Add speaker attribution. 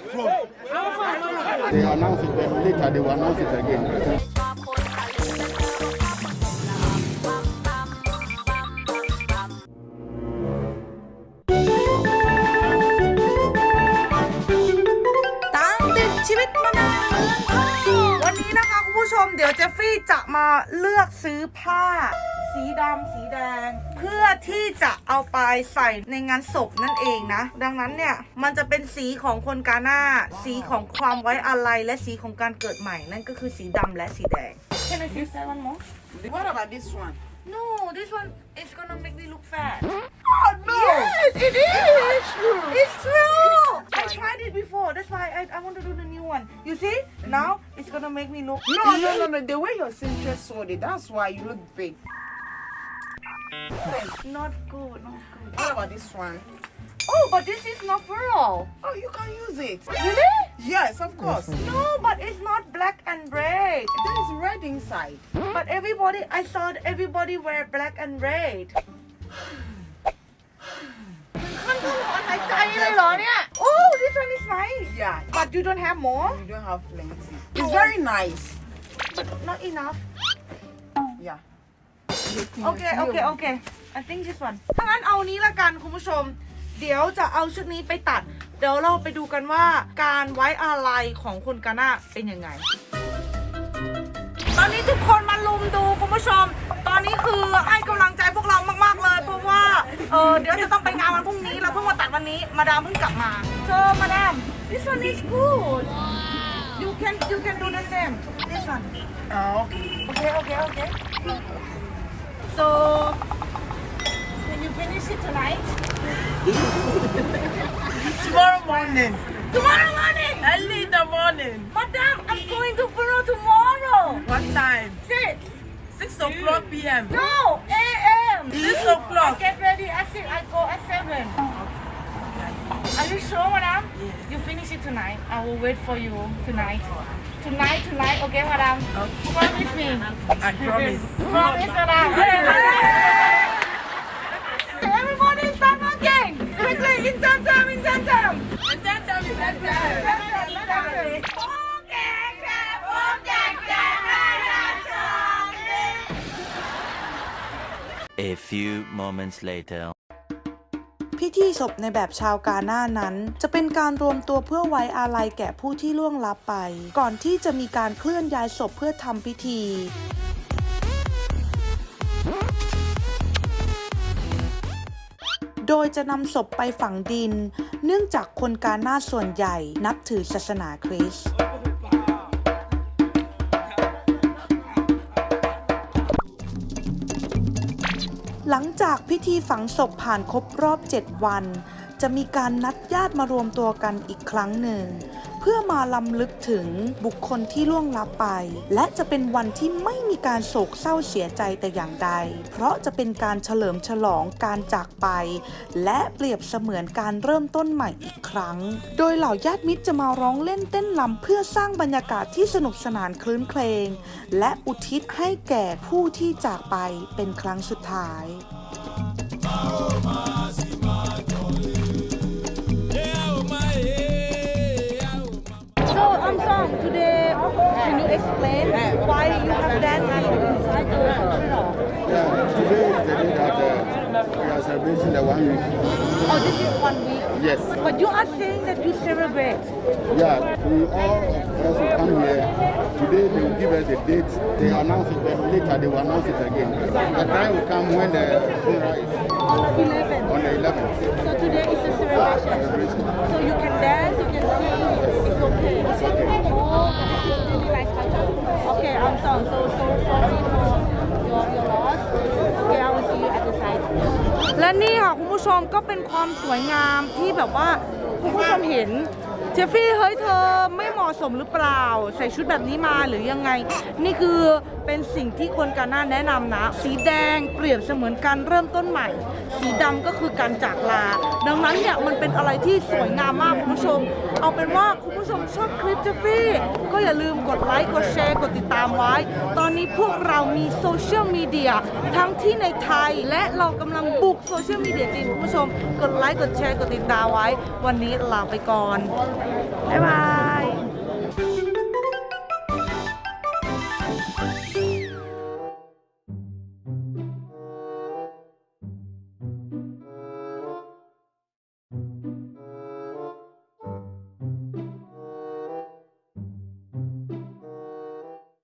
Speaker 1: They announce it, then later they will announce it again.
Speaker 2: ชีวิตมานานวันนี้นะคะคุณผู้ชมเดี๋ยวเจฟฟี่จะมาเลือกซื้อผ้าสีดำสีแดงเพื่อที่จะเอาไปใส่ในงานศพนั่นเองนะดังนั้นเนี่ยมันจะเป็นสีของคนกาหน้าสีของความไว้อาลัยและสีของการเกิดใหม่นั่นก็คือสีดำและสีแดง Can I see that one more?
Speaker 3: What about this one?
Speaker 2: No, this one is gonna make me look fat.
Speaker 3: Oh no!
Speaker 2: Yes, it is. It's true. I tried it before. That's why I want to do the new one. You see? Now it's gonna make me look.
Speaker 3: No. The way your sister sold it, that's why you look big.
Speaker 2: Not good. Not good.
Speaker 3: What about this one?
Speaker 2: Oh, but this is not pearl.
Speaker 3: Oh, you can use it.
Speaker 2: Really?
Speaker 3: Yes, of course.
Speaker 2: No, but it's not black and red.
Speaker 3: There is red inside.
Speaker 2: But I saw everybody wear black and red. ขั้นตอนหายใจเลยเหรอเนี่ย Oh, this one is nice.
Speaker 3: Yeah.
Speaker 2: But you don't have more?
Speaker 3: You don't have plenty. It's very nice.
Speaker 2: But not enough.
Speaker 3: Yeah.
Speaker 2: Okay. I think this one. ถ้างั้นเอานี้ละกันคุณผู้ชม เดี๋ยวจะเอาชุดนี้ไปตัด เดี๋ยวเราไปดูกันว่าการไว้อาลัยของคนกาหน้าเป็นยังไง ตอนนี้ทุกคนมาลุมดูคุณผู้ชม ตอนนี้คือให้กำลังใจพวกเรามากๆเลยเพราะว่าเดี๋ยวจะต้องไปงานวันพรุ่งนี้เราเพิ่งมาตัดวันนี้มาดามเพิ่งกลับมา So madam this one is good you can do the same this one
Speaker 3: Oh.
Speaker 2: Okay so can you finish it tonight
Speaker 3: Tomorrow morning.
Speaker 2: Early
Speaker 3: in the morning.
Speaker 2: Madam I'm going to Peru tomorrow
Speaker 3: What time?
Speaker 2: 6
Speaker 3: o'clock p.m.
Speaker 2: No a.m.
Speaker 3: 6 o'clock.
Speaker 2: I get ready at 6 I go at 7 Are you sure madam
Speaker 3: Yes.
Speaker 2: You finish it tonight I will wait for you tonight okay madam Promise me
Speaker 3: I promise.
Speaker 2: Promise madam Everybody start working quickly in time
Speaker 4: A few moments later.
Speaker 2: พิธีศพในแบบชาวกาหน้านั้นจะเป็นการรวมตัวเพื่อไว้อาลัยแก่ผู้ที่ล่วงลับไปก่อนที่จะมีการเคลื่อนย้ายศพเพื่อทำพิธีโดยจะนำศพไปฝังดินเนื่องจากคนกาหน้าส่วนใหญ่นับถือศาสนาคริสต์หลังจากพิธีฝังศพผ่านครบรอบ 7 วันจะมีการนัดญาติมารวมตัวกันอีกครั้งหนึ่งเพื่อมาลำลึกถึงบุคคลที่ล่วงลับไปและจะเป็นวันที่ไม่มีการโศกเศร้าเสียใจแต่อย่างใดเพราะจะเป็นการเฉลิมฉลองการจากไปและเปรียบเสมือนการเริ่มต้นใหม่อีกครั้งโดยเหล่าญาติมิตรจะมาร้องเล่นเต้นรำเพื่อสร้างบรรยากาศที่สนุกสนานคลื้นเครงและอุทิศให้แก่ผู้ที่จากไปเป็นครั้งสุดท้ายSo Song, today can you explain why you have dancing inside the funeral?
Speaker 1: Yeah, today is the day that we are celebrating the 1 week.
Speaker 2: Oh, this is 1 week.
Speaker 1: Yes.
Speaker 2: But you are saying that you celebrate.
Speaker 1: Yeah, we all also come here. Today they will give us the date. They announce it, then later they will announce it again. The time will come when the funeral is
Speaker 2: On the 11th.
Speaker 1: on the 11th.
Speaker 2: So today is a celebration. So you can dance, you can sing. It's okay.
Speaker 1: It's okay.
Speaker 2: Oh, this is really nice culture. Okay, I'm sorry. So sorry for your loss. Okay, I will see you at the side. และนี่ค่ะคุณผู้ชมก็เป็นความสวยงามที่แบบว่าคุณผู้ชมเห็นเจฟฟี่เฮ้ยเธอไม่เหมาะสมหรือเปล่าใส่ชุดแบบนี้มาหรือยังไงนี่คือเป็นสิ่งที่คนกาหน้าแนะนำนะสีแดงเปรียบเสมือนการเริ่มต้นใหม่สีดำก็คือการจากลาดังนั้นเนี่ยมันเป็นอะไรที่สวยงามมากคุณผู้ชมเอาเป็นว่าคุณผู้ชมชอบคลิปเจฟฟี่ก็อย่าลืมกดไลค์กดแชร์กดติดตามไว้ตอนนี้พวกเรามีโซเชียลมีเดียทั้งที่ในไทยและเรากำลังบุกโซเชียลมีเดียจีนคุณผู้ชมกดไลค์กดแชร์กดติดตามไว้วันนี้ลาไปก่อนบ๊ายบาย